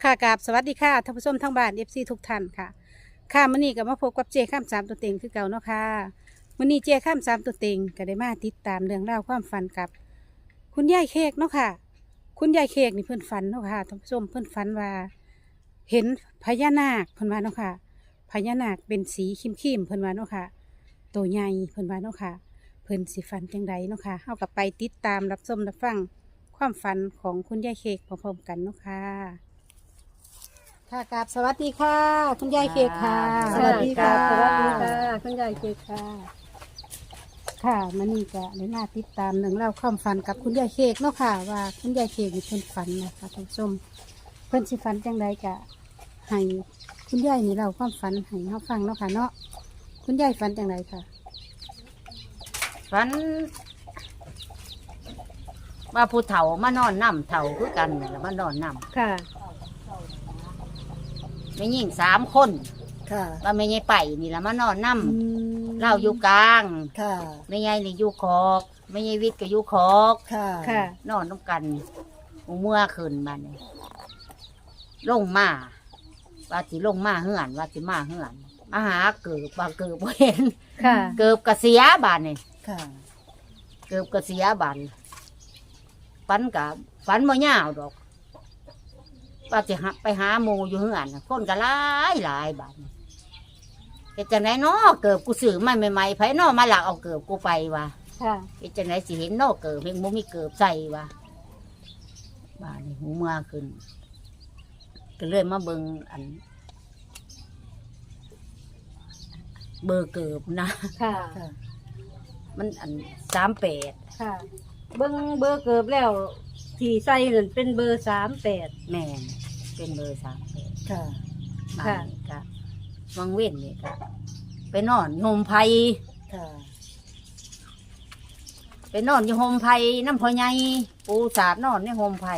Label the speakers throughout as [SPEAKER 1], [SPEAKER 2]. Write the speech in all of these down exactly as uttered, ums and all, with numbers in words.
[SPEAKER 1] ค่ะกราบสวัสดีค่ะท่านผู้ชมทั้งบ้านเอฟซีทุกท่านค่ะค่ะมื้อนี้ก็มาพบกับเจข้ามสามตัวเต็งคือเก่าเนาะค่ะมื้อนี้เจข้ามสามตัวเต็งก็ได้มาติดตามเรื่องราวความฝันกับ คุณยายเค้กเนาะค่ะ คุณยายเค้กนี่เพิ่นฝันเนาะค่ะท่านผู้ชมเพิ่นฝันว่า เห็นพญานาคเพิ่นว่าเนาะค่ะพญานาคเป็นสีครีมๆเพิ่นว่าเนาะค่ะตัวใหญ่เพิ่นว่าเนาะค่ะเพิ่นสิฝันจังใดเนาะค่ะเฮากับไปติดตามรับชมรับฟังความฝันของคุณยายเค้กพร้อมๆกันเนาะค่ะ ค่ะกราบสวัสดีค่ะ คุณยายเค้กค่ะ
[SPEAKER 2] สวัสดีค่ะ
[SPEAKER 1] สวัสดีค่ะคุณยายเค้กค่ะ ค่ะมันนี่ก็ได้มาติดตามหนึ่องเล่าวความฝันกับคุณยายเค้กเนาะค่ะ ว่าคุณยายเค้กมีเพิ่นฝันนะคะท่านผู้ชมเพิ่นสิฝันจังใดกะให้คุณยายนี่เราความฝันให้เฮาฟังเนาะค่ะเนาะคุณยายฝันจังใดค่ะ
[SPEAKER 2] ฝันว่าผู้เฒ่ามานอนนำเฒ่าคือกันนี่แหละมานอนน
[SPEAKER 1] ค่ะ
[SPEAKER 2] ำไม่ยิ่งสามคน
[SPEAKER 3] ค่ะ
[SPEAKER 2] ว่าไม่ใช่ไปนี่แหละมานอนน
[SPEAKER 1] อืม
[SPEAKER 2] ำเล่าอยู่กลาง
[SPEAKER 3] ค่ะ
[SPEAKER 2] ไม่ใช่นี่อยู่คอกไม่ใช่วิทย์ก็อยู่คอก
[SPEAKER 3] ค่ะ
[SPEAKER 1] ค่ะ
[SPEAKER 2] นอนต้องกันหูเมื่อคืนบัดนี้ลงมาว่าสิลงมาเหือนว่าสิมาเหือนมาหาเกิบว่าเกิบบ่เห็น
[SPEAKER 1] ค่ะ
[SPEAKER 2] เกิบกระเสียบานนี่
[SPEAKER 3] ค่ะ
[SPEAKER 2] เกิบกระเสียบานฝันกับฝันบ่ยาวดอก ว่าจะหาไปหาหมูอยู่เฮือนน่ะคนก็หลายหลายบาทเฮ็ดจังไดน้อเกิบกูซื้อมาใหม่ๆไผน้อมาหลักเอาเกิบกูไปวะ
[SPEAKER 1] ค่ะ
[SPEAKER 2] เฮ็ดจังไดสิเห็นน้อเกิบเพิ่งบ่มีเกิบใส่วะบ้านนี้หูเมื่อขึ้นก็เลยมาเบิ่งอัน เบอร์เกิบนะ
[SPEAKER 1] ค่ะ
[SPEAKER 3] ค่ะ
[SPEAKER 2] มันอันสามแปด
[SPEAKER 1] ค่ะ เบิ้งเบอร์เกิบแล้วที่ใส่นั่นเป็นเบอร์สามแปด
[SPEAKER 2] แม่นเป็นเบอร์สามแปด
[SPEAKER 3] ค่ะ
[SPEAKER 2] บ้า
[SPEAKER 1] ค่ะ
[SPEAKER 2] นนี้ก็วังเว้นนี่ก็ไปนอนโฮมไพ
[SPEAKER 3] ค่ะ
[SPEAKER 2] ไปนอนอยู่โฮมไผ่น้ำพอใหญ่ปูสาดนอนในโฮมไผ่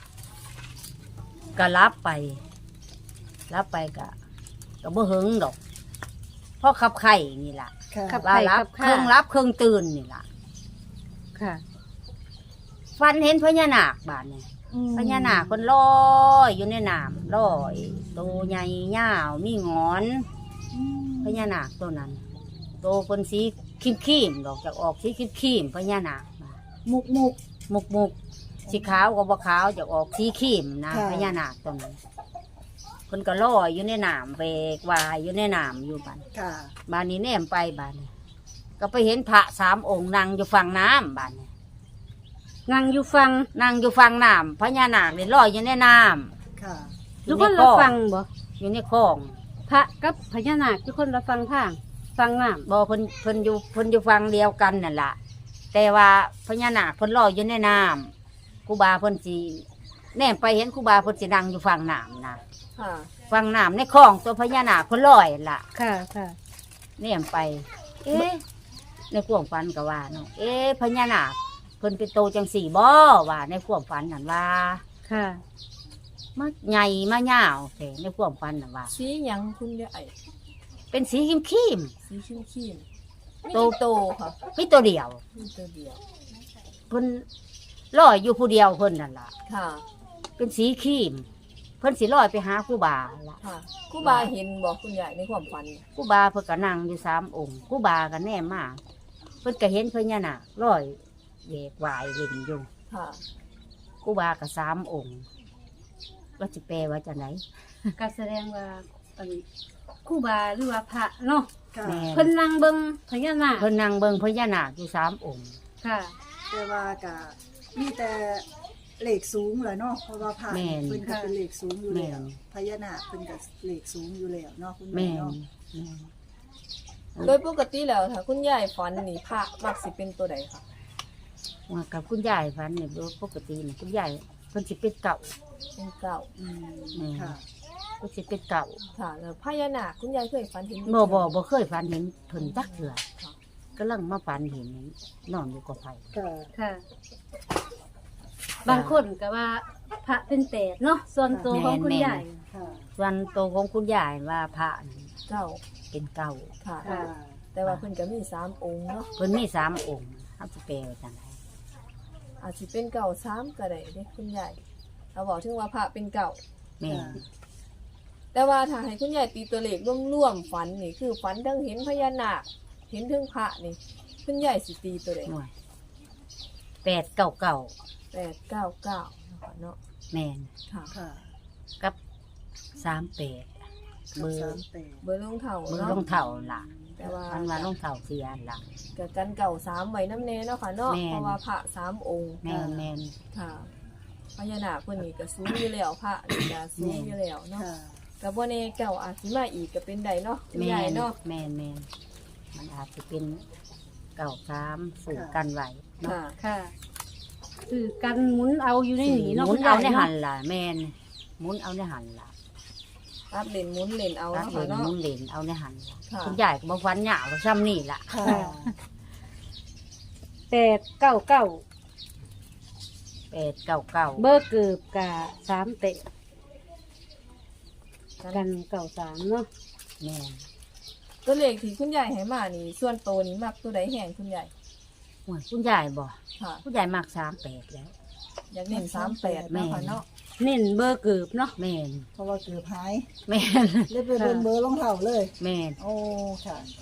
[SPEAKER 2] ก็รับไป รับไปก็ก็บ่หึงดอกเพราะขับไข่นี่ล่ะ
[SPEAKER 3] ค่ะ
[SPEAKER 1] ขับ
[SPEAKER 2] ว่ารับเครื่องรับเครื่องตื่นนี่ล่ะ
[SPEAKER 1] ค่ะ
[SPEAKER 2] ฟันเห็นพญานาคบาดนี่พญานาคคนลอยอยู่ในน้ำลอยตัวใหญ่ยาวมีงอนพญานาคตัวนั้นโตเป็นสีขีมๆดอกจากออกสีขีมๆพญานาคมา
[SPEAKER 1] มุกมุก
[SPEAKER 2] มุกมุกสีขาวกับบ่ขาวจะออกสีขีมนะ
[SPEAKER 3] ค่ะ
[SPEAKER 2] พญานาคตรงนั้นคนก็ลอยอยู่ในน้ำเบกวายอยู่ในน้ำอยู่บ้าน
[SPEAKER 3] ค่ะ
[SPEAKER 2] บ้านนี้แนมไปบ้านนี้ก็ไปเห็นพระสามองค์นั่งอยู่ฝั่งน้ำบ้านนี้
[SPEAKER 1] นั่งอยู่ฟัง
[SPEAKER 2] นั่งอยู่ฝั่งน้ำพญานาคเนี่ยลอยอยู่ในน้
[SPEAKER 3] ค่ะ
[SPEAKER 2] ำ
[SPEAKER 1] ทุกคนเราฟังบ่
[SPEAKER 2] อยู่ในคลอง
[SPEAKER 1] พระกับพญานาคทุกคนเราฟังทางฟังน้
[SPEAKER 2] บ่เพิ่นเพิ่นอยู่เพิ่นอยู่ฝั่งเดียวกันนั่นล่ะแต่ว่าพญานาคเพิ่นลอยอยู่ในน้ำครูบาเพิ่นสิแนมไปเห็นครูบาเพิ่นสินั่งอยู่ฝั่งน้ำนะ
[SPEAKER 3] ค่ะ
[SPEAKER 2] ฝั่งน้ำในคลองตัวพญานาคเพิ่นลอยล่ะ
[SPEAKER 1] ำค่ะค่ะ
[SPEAKER 2] เนี่ยไป เอ๊ะ ในความฝันก็ว่าเนาะ เอ๊ะพญานาคเพิ่นเป็นโตจังสี่บ่ว่าในความฝันนั่นว่า
[SPEAKER 1] ค่ะ
[SPEAKER 2] มาใหญ่มายาวแต่ในความฝันนั่นว่า
[SPEAKER 4] สีหยังคุณยาย
[SPEAKER 2] เป็นสีครีมครีม
[SPEAKER 4] สีเข้มเข้ม
[SPEAKER 2] โต
[SPEAKER 4] โตค่ะ
[SPEAKER 2] มีตัวเดียว
[SPEAKER 4] มีตัวเดียว
[SPEAKER 2] เพิ่นลอยอยู่ผู้เดียวเพิ่นนั่นล่ะ
[SPEAKER 4] ค่ะ
[SPEAKER 2] เป็นสีครีม เพิ่นสิลอยไปหาครูบาล่ะ
[SPEAKER 4] ค่ะครูบาเห็นบอกคุณยายในความฝัน
[SPEAKER 2] ครูบาเพิ่นก็นั่งอยู่สามองค์ครูบาก็แนมมาเพิ่นก็เห็นพญานาคลอยเวกวายเล่นอยู่
[SPEAKER 4] ค่ะ
[SPEAKER 2] ครูบาก็สามองค์ว่าสิแปลว่าจังได
[SPEAKER 1] ก็แสดงว่าอันครู่บาหรือว่าพระเนาะ
[SPEAKER 3] ค่ะ
[SPEAKER 2] แม่
[SPEAKER 1] เพิ่นนั่งเบิ่งพญานาค
[SPEAKER 2] เพิ่นนั่งเบิ่งพญานาคอยู่สามองค์
[SPEAKER 1] ค่ะ
[SPEAKER 3] แต่ว่ากะมีแต่เหล็กสูงเลยเนาะ เพราะว่าผ่านเพิ่นก็เป็นเหล็กสูงอยู่แล้วพญานาคเพิ่นก็เหล็กสูงอยู่แล้วเนาะคุณ
[SPEAKER 2] แม่
[SPEAKER 3] แม่
[SPEAKER 2] น
[SPEAKER 3] เนาะ
[SPEAKER 2] แม่น
[SPEAKER 4] โดยปกติแล้วค่ะ คุณยายฝันนี่พระมักสิเป็นตัวใดค่ะ
[SPEAKER 2] ว่ากับคุณยายฝันเนี่ยโดยปกติเนี่ยคุณยายเพิ่นสิเป็นเก่า
[SPEAKER 4] เป็นเก่า
[SPEAKER 3] อืม
[SPEAKER 2] แม่
[SPEAKER 3] ค่ะ
[SPEAKER 2] เพิ่นสิเป็นเก่า
[SPEAKER 4] ค่ะแล้วพญานาคคุณยายเคยฝันเห็น
[SPEAKER 2] บ่บ่บ่เคยฝันเห็นเพิ่นจักเทื่อกํลังมาฝันเห็นนอนอยู่กับไผ
[SPEAKER 3] ค่ะ
[SPEAKER 1] ค่ะ บางคนก็ว่าพระเป็นแปดเนาะส่วนตัวของคุณยาย
[SPEAKER 3] ค่ะ
[SPEAKER 2] ส่วนโตวของคุณยายว่าพระนี่
[SPEAKER 4] เก่า
[SPEAKER 2] เป็นเก่า
[SPEAKER 4] ค่ะ
[SPEAKER 3] ค่ะ
[SPEAKER 4] แต่ว่าเพิ่นก็มีสามองค์เนาะ
[SPEAKER 2] เพิ่นมีสามองค์เฮาสิแปลว่าจังได
[SPEAKER 4] อาจสิเป็นเก่าสามก็ได้เด้คุณยายเราบอกถึงว่าพระเป็นเก่า
[SPEAKER 2] แม่น
[SPEAKER 4] แต่ว่าถ้าให้คุณยายตีตัวเลขร่วมๆฝันนี่คือฝันทั้งเห็นพญานาคเห็นทั้งพระนี่คุณยายสิตีตัวใด
[SPEAKER 2] หน่วยแปดเก้าเก้า
[SPEAKER 4] แปดเก้าเก้านะคะเนาะ
[SPEAKER 2] แม่น
[SPEAKER 4] ค่ะ
[SPEAKER 3] ค่ะ
[SPEAKER 2] กับสามแปดเบอ
[SPEAKER 3] สา
[SPEAKER 2] ร์
[SPEAKER 3] มแปด
[SPEAKER 4] เบอร์รองเท้า
[SPEAKER 2] เบอร์
[SPEAKER 4] เนาะ
[SPEAKER 2] รองเท้าล่ะ
[SPEAKER 4] แต่ว่า
[SPEAKER 2] อันว่ารองเท้าเสียล่ะ
[SPEAKER 4] กับกันเก่าสามไว้น้ำเนเนาะค่ะเนาะ
[SPEAKER 2] แม่น
[SPEAKER 4] เพราะว่าพระสามองค์
[SPEAKER 2] แม่นแม่น
[SPEAKER 4] ค่ะพญานาคเพิ่นนี่ก็สูงอยู่แล้วพระนี่ก็สูงอยู่แล้วเนาะ
[SPEAKER 3] ค่ะ
[SPEAKER 4] ก็บ่แน่เก่าอาจสิมาอีกก็เป็นได้เนาะคุณ
[SPEAKER 2] แม่
[SPEAKER 4] ยาย
[SPEAKER 2] น
[SPEAKER 4] เนาะ
[SPEAKER 2] แม่นแม่นมันอาจจะเป็นเก้าสามสื่อกันไหวเนาะ
[SPEAKER 4] ค่ะ
[SPEAKER 1] ค่ะคือกันหมุนเอาอยู่ในหนี
[SPEAKER 2] ห
[SPEAKER 1] เนาะ
[SPEAKER 2] มุ
[SPEAKER 1] คุ
[SPEAKER 2] น
[SPEAKER 1] ณ
[SPEAKER 2] เอา
[SPEAKER 1] ยาย
[SPEAKER 2] ในหั
[SPEAKER 1] เนาะ
[SPEAKER 2] นล่ะแม่นหมุนเอาในหันล่ะ
[SPEAKER 4] ตัดเล่นหมุนเล่นเอา
[SPEAKER 2] ตัด
[SPEAKER 4] เนาะ
[SPEAKER 2] เล
[SPEAKER 4] ค่ะ
[SPEAKER 2] น
[SPEAKER 4] เนาะ
[SPEAKER 2] หมุนเลนเอาในหันล่ะ
[SPEAKER 4] ค่ะ
[SPEAKER 2] คุณยายก็บ่ฟันหยาบซ้ำนี่ล่ะ
[SPEAKER 3] ค่ะ
[SPEAKER 1] แปดเก้าเก้า
[SPEAKER 2] แปดเก้าเก้า
[SPEAKER 1] เบอร์เกือบกะสามเตะกันเก่าสามเนาะ
[SPEAKER 2] แม่น
[SPEAKER 4] ตัวเลขที่คุณยายให้มานี่ ส่วนโตวนี้มักตัวใดแห่งคุณยาย
[SPEAKER 2] โอ้ยคุณยายบ่
[SPEAKER 4] ค่ะ
[SPEAKER 2] คุณยายมักสามแปดแล้ว
[SPEAKER 4] อยากเน้นสามแปด
[SPEAKER 2] แม่
[SPEAKER 4] เนาะค่ะเนาะ
[SPEAKER 1] เน้นเบอร์เกือบเนาะ
[SPEAKER 2] แม่น
[SPEAKER 3] เพราะว่าเกือบหาย
[SPEAKER 2] แม่น
[SPEAKER 3] เลยไปเบิ่งเบอร์รองเท้าเลย
[SPEAKER 2] แม่น
[SPEAKER 3] โอ้ค่ะค่ะ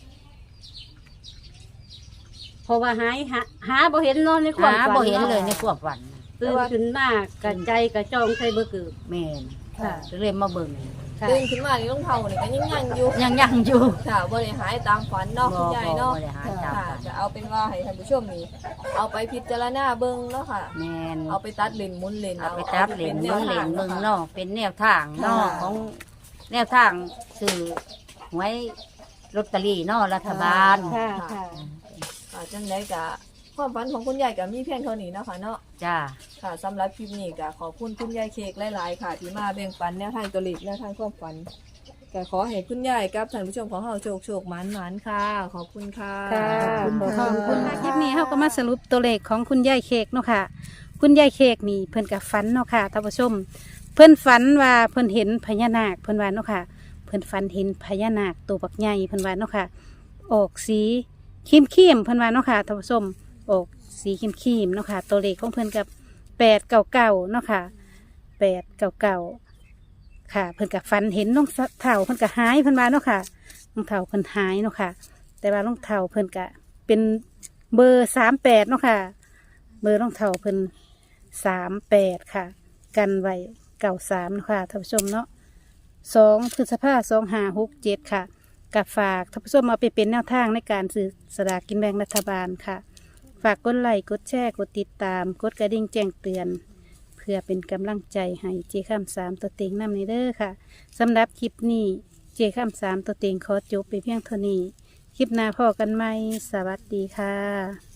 [SPEAKER 1] เพราะว่าหายหาหาบ่เห็นเนาะในความ
[SPEAKER 2] หา
[SPEAKER 1] ฝัน
[SPEAKER 2] บ่เห็น
[SPEAKER 1] นาะ
[SPEAKER 2] เลยในความฝันน่ะ
[SPEAKER 1] ตื่นขึ้นมากกะใจกะจองใส่เบอร์เกือบ
[SPEAKER 2] แม่น
[SPEAKER 3] ค่ะ
[SPEAKER 2] ก็เลยมาเบิ่ง
[SPEAKER 1] ค่ะ
[SPEAKER 4] ตื่นขึ้นมานี่รองเท้านี่ก็ยังยังอยู่
[SPEAKER 2] ยังยังอยู่
[SPEAKER 4] ค่ะบ่ได้หายตามฝันเนาะคุณยายเนาะ
[SPEAKER 2] บ่ได้หาตาม
[SPEAKER 4] ค่ะ
[SPEAKER 2] ฝัน
[SPEAKER 4] จะเอาเป็นว่าให้ท่านผู้ชมนี่เอาไปพิจารณาเบิ่งเนาะค่ะ
[SPEAKER 2] แม่น
[SPEAKER 4] เอาไปตัดเลนหมุนเลน
[SPEAKER 2] เอาไปตับเหรียญ
[SPEAKER 4] อา
[SPEAKER 2] เมืองเหรียญ
[SPEAKER 4] ป็
[SPEAKER 2] เมือง
[SPEAKER 4] แวทาง
[SPEAKER 2] นอกเป็นแนวทางเนอกของแนวทางสื่อหวยลอตเตอรี่เนอกรัฐบาล
[SPEAKER 1] ค่ะค่ะ
[SPEAKER 4] ค่ะจังไดกะความฝันของคุณยายก็มีเพียงเท่านี้เนาะค่ะเนาะ
[SPEAKER 2] จ้า
[SPEAKER 4] ค่ะสำหรับคลิปนี้ก็ขอบคุณคุณยายเค้กหลายๆค่ะ ที่มาแบ่งปันแนวทางตัวเลขแนวทางความฝันก็ขอให้คุณยายกับท่านผู้ชมของเราโชคโชคหมานหมานค่ะ ขอบคุณค่ะ
[SPEAKER 1] ค่ะ
[SPEAKER 3] ขอบคุณ
[SPEAKER 1] ข
[SPEAKER 3] ค่ะ
[SPEAKER 1] อบคุณค่ะคลิปนี้เขาก็มาสรุปตัวเลขของคุณยายเค้กเนาะค่ะ คุณยายเค้กนี่เพิ่นกับฝันเนาะค่ะท่านผู้ชม เพิ่นฝันว่าเพิ่นเห็นพญานาคเพิ่นว่าเนาะค่ะ เพิ่นฝันเห็นพญานาคตัวบักใหญ่เพิ่นว่าเนาะค่ะ ออกสีครีมครีมๆเพิ่นว่าเนาะค่ะท่านผู้ชมออกสีครีมครีมๆเนาะค่ะ ตัวเลขของเพิ่นกับแปดเก่าเก่าเนาะค่ะแปดเก่าเก่าค่ะ เพิ่นกับฝันเห็นน้องเถ่าเพิ่นกับหายเพิ่นว่าเนาะค่ะน้องเถ่าเพิ่นหายเนาะค่ะ แต่ว่าน้องเถ่าเพิ่นกะเป็นเบอร์สามแปดเนาะค่ะ เบอร์น้องเถ่าเพิ่นสามแปดค่ะ กันไว้เก่าสามเนาะค่ะท่านผู้ชมเนาะสองพฤษภาสองห้าหกเจ็ดค่ะกับฝากท่านผู้ชมเอาไปเป็นแนวทางในการซื้อสลากกินแบ่งรัฐบาลค่ะ ฝากกดไลค์กดแชร์กดติดตาม กดกระดิ่งแจ้งเตือน เพื่อเป็นกำลังใจให้เจข้ามสามตัวเต็งนำในเด้อค่ะสำหรับคลิปนี้เจข้ามสามตัวเต็งขอจบไปเพียงเท่านี้ คลิปหน้าพอกันไหมสวัสดีค่ะ